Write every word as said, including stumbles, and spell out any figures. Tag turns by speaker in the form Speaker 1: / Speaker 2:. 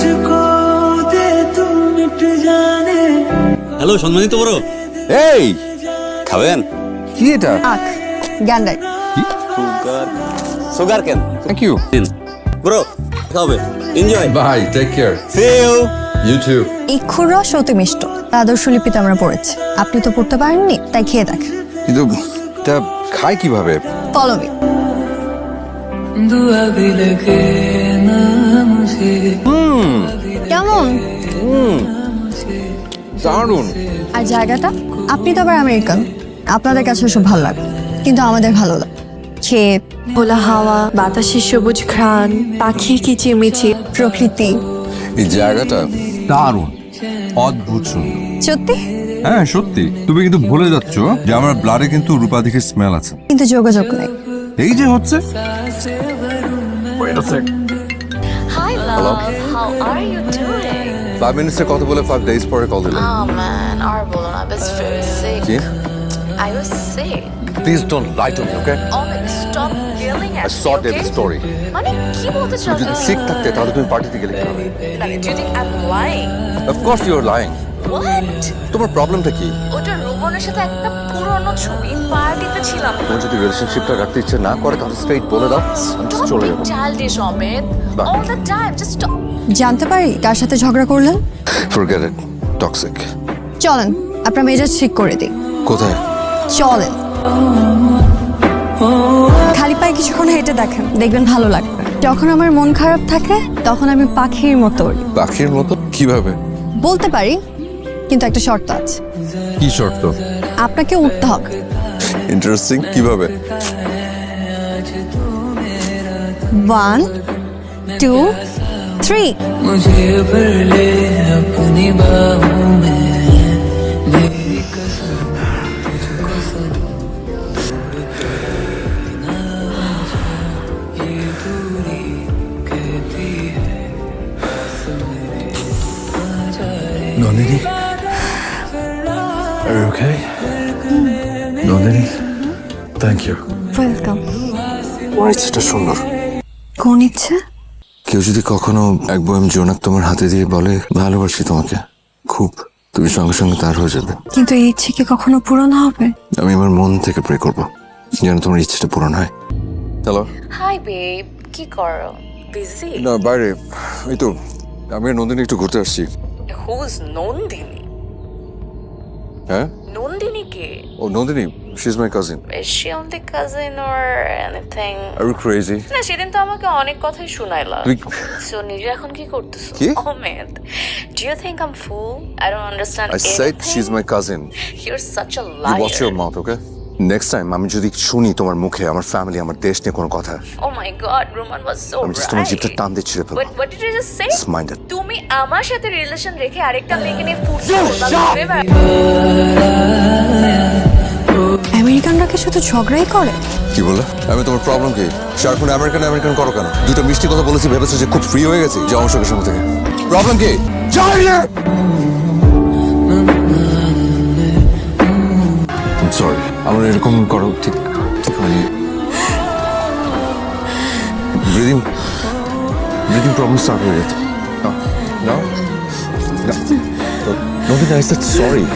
Speaker 1: मुझको दे तू मिट जाने।
Speaker 2: হ্যালো সম্মানিত বড়,
Speaker 3: এই খাবেন? কি এটা?
Speaker 4: আখ গ্যান্ডাই
Speaker 3: সুগার সুগার কেন?
Speaker 5: থ্যাংক ইউ
Speaker 2: দিন বড়, খাবে enjoy.
Speaker 5: Bye, take care.
Speaker 3: See you.
Speaker 5: You too.
Speaker 4: ইক্ষুর রস অতি মিষ্ট আদর্শ লিপিতে আমরা পড়েছি, আপনি তো পড়তে পারেননি তাই খেয়ে দেখেন।
Speaker 5: কিন্তু এটা খায় কিভাবে?
Speaker 4: Follow me.
Speaker 1: दुआ भी लगे ना मुझे।
Speaker 4: কেমন?
Speaker 5: দারুণ।
Speaker 4: আর জায়গাটা? আপনি তো আবার আমেরিকান, আপনাদের কাছে সব ভালো লাগে, কিন্তু আমাদের ভালো লাগে ক্ষেত,
Speaker 6: খোলা হাওয়া, বাতাসের সবুজ ঘ্রাণ, পাখির কিচিরমিচির,
Speaker 4: প্রকৃতি।
Speaker 5: এই জায়গাটা দারুণ, অদ্ভুত সুন্দর।
Speaker 4: সত্যি?
Speaker 5: হ্যাঁ সত্যি। তুমি কিন্তু ভুলে যাচ্ছ যে আমার ব্লাডে কিন্তু রূপাধিকের স্মেল আছে।
Speaker 4: কিন্তু যোগাযোগ নেই।
Speaker 5: এই যে হচ্ছে।
Speaker 7: Hi love, how are you doing?
Speaker 5: Five মিনিটসের কথা বলে ফাইভ ডেজ পরে কল দিলে।
Speaker 7: Oh man, আর বলো না, I was very sick.
Speaker 5: কি?
Speaker 7: I was sick.
Speaker 5: Please don't lie to me, okay?
Speaker 7: Oh man, stop yelling at
Speaker 5: I
Speaker 7: me,
Speaker 5: sort
Speaker 7: okay?
Speaker 5: Every story.
Speaker 7: মানে কি বলতে চাও?
Speaker 5: যদি সিক থাকতে তাহলে তুমি পার্টিতে গেলে কি হবে?
Speaker 7: মানে do you think I'm lying?
Speaker 5: Of course you are lying.
Speaker 7: What?
Speaker 5: তোমার প্রবলেমটা কি?
Speaker 7: ওটা রোবনের সাথে একটা পুরনো ছবি, পার্টিতে ছিলাম।
Speaker 5: তোমার যদি রিলেশনশিপটা রাখতে ইচ্ছে না করে তাহলে স্ট্রেইট বলে দাও, আমি
Speaker 7: Stop
Speaker 5: চলে
Speaker 7: being
Speaker 5: যাবো।
Speaker 7: childish, Omid.
Speaker 5: বাহ।
Speaker 7: All the time, just stop.
Speaker 4: জানতে পারি কার সাথে ঝগড়া করলেন?
Speaker 5: Forget it, toxic.
Speaker 4: চলেন আপনার মেজাজ ঠিক করে দিই।
Speaker 5: কোথায়?
Speaker 4: চলেন খালি পায়ে কিছুক্ষণ হেঁটে দেখেন, দেখবেন ভালো লাগবে। যখন আমার মন খারাপ থাকে তখন আমি পাখির মতো উড়ি।
Speaker 5: পাখির মতো? কিভাবে?
Speaker 4: বলতে পারি, কিন্তু একটা শর্ত আছে।
Speaker 5: কি শর্ত?
Speaker 4: আপনাকে উঠতে হবে।
Speaker 5: ইন্টারেস্টিং। কিভাবে?
Speaker 4: One two three.
Speaker 1: मुझे भर ले अपनी बाहों में, मेरी कसम तुझको सनम, ना ये दूरी कहती है पास मेरे आ जाए।
Speaker 5: Nandini, are you okay? Nandini, thank you.
Speaker 4: Welcome.
Speaker 5: ইচ্ছেটা সুন্দর।
Speaker 4: কোন ইচ্ছে?
Speaker 5: কেউ যদি কখনো এক বয়াম জোনাক তোমার হাতে দিয়ে বলে ভালোবাসি তোমাকে খুব, তুমি সঙ্গে সঙ্গে তার হয়ে যাবে।
Speaker 4: কিন্তু এই ইচ্ছে কি কখনো পূরণ হবে?
Speaker 5: আমি আমার মন থেকে প্রে করবো যেন তোমার ইচ্ছেটা পূরণ হয়। হ্যালো।
Speaker 7: Hi babe, কি করো? Busy?
Speaker 5: না, বাইরে। এই তো আমি আর নন্দিনী একটু ঘুরতে আসছি।
Speaker 7: Who's নন্দিনী?
Speaker 5: হ্যাঁ?
Speaker 7: নন্দিনী কে?
Speaker 5: ও Nandini, she is my cousin.
Speaker 7: Is she only cousin or anything?
Speaker 5: Are you crazy?
Speaker 7: না, সেদিন তো আমাকে অনেক কথাই শোনাইলা।
Speaker 5: তুই
Speaker 7: সো নিজে এখন কি করতেছো?
Speaker 5: কি?
Speaker 7: Omid, do you think I'm fool? I don't understand
Speaker 5: I said she is
Speaker 7: anything.
Speaker 5: My cousin.
Speaker 7: You're such a
Speaker 5: you
Speaker 7: liar.
Speaker 5: Watch your mouth, okay? Next time আমি যদি শুনি তোমার মুখে আমার ফ্যামিলি আমার দেশ নিয়ে কোনো কথা,
Speaker 7: Oh my god, Roman was so
Speaker 5: আমি জাস্ট তোমার
Speaker 7: right.
Speaker 5: জিভটা টান দিয়ে ছিঁড়ে ফেলবো।
Speaker 7: What, what did you just say?
Speaker 5: Just mind it.
Speaker 7: তুমি আমার সাথে রিলেশন রেখে আরেকটা মেয়েকে নিয়ে ফুটছো?
Speaker 4: আমেরিকানরা কি শুধু ঝগড়াই করে?
Speaker 5: কি বললে? আমি তোমার প্রবলেম কি? সারাক্ষণ আমেরিকান আমেরিকান করো কেন? দুটো মিষ্টি কথা বলেছি ভেবেছো যে খুব ফ্রি হয়ে গেছি? যাও আমার সঙ্গে সঙ্গে থেকে। প্রবলেম কি? সরি, আমার এরকম করো ঠিক ঠিক হয়নি। ব্রিদিং ব্রিদিং প্রবলেম স্টার্ট হয়ে গেছে। নাও নাও, নদী, আই সেড সরি।